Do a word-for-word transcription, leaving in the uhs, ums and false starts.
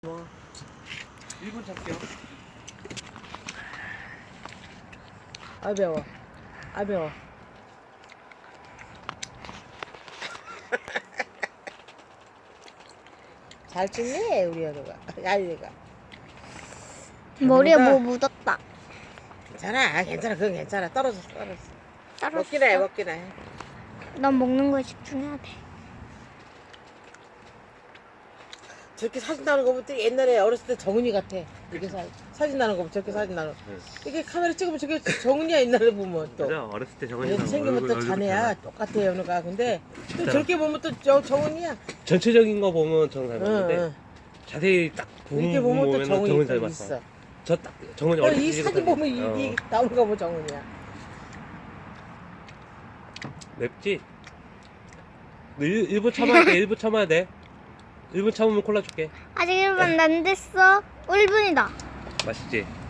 뭐 일 분 잡게요. 아 매워. 아 매워. 잘 찍네 우리 연우가. 야이가. 머리에 배부르다. 뭐 묻었다. 괜찮아, 괜찮아, 그건 괜찮아. 떨어졌어, 떨어졌어. 떨어졌어. 먹기나 해, 먹기나 해. 난 먹는 거에 집중해야 돼. 저렇게 사진 나는 거 보면 또 옛날에 어렸을 때 정은이 같아. 이렇게 사, 사진 나는 거 보면 저렇게 사진 나는 거. 이게 카메라 찍으면 저게 정은이야 옛날에 보면 또. 맞아, 어렸을 때 정은이 얘 생기면 또 자네야 똑같아 연우가. 근데 또 저렇게 보면 또 저 정은이야. 전체적인 거 보면 정은 응, 닮았는데 응. 자세히 딱 이렇게 보면 보면 또 정은이 정은 또 닮았어. 있어. 저 딱 정은이 어, 어렸을 이 때 사진 보면 이, 어. 이 나오는 거 보면 정은이야. 맵지? 너 일, 일 분 참아야 돼. 일 분 참아야 돼. 일 분 참으면 콜라 줄게. 아직 일 분 안 됐어. 일 분이다. 맛있지?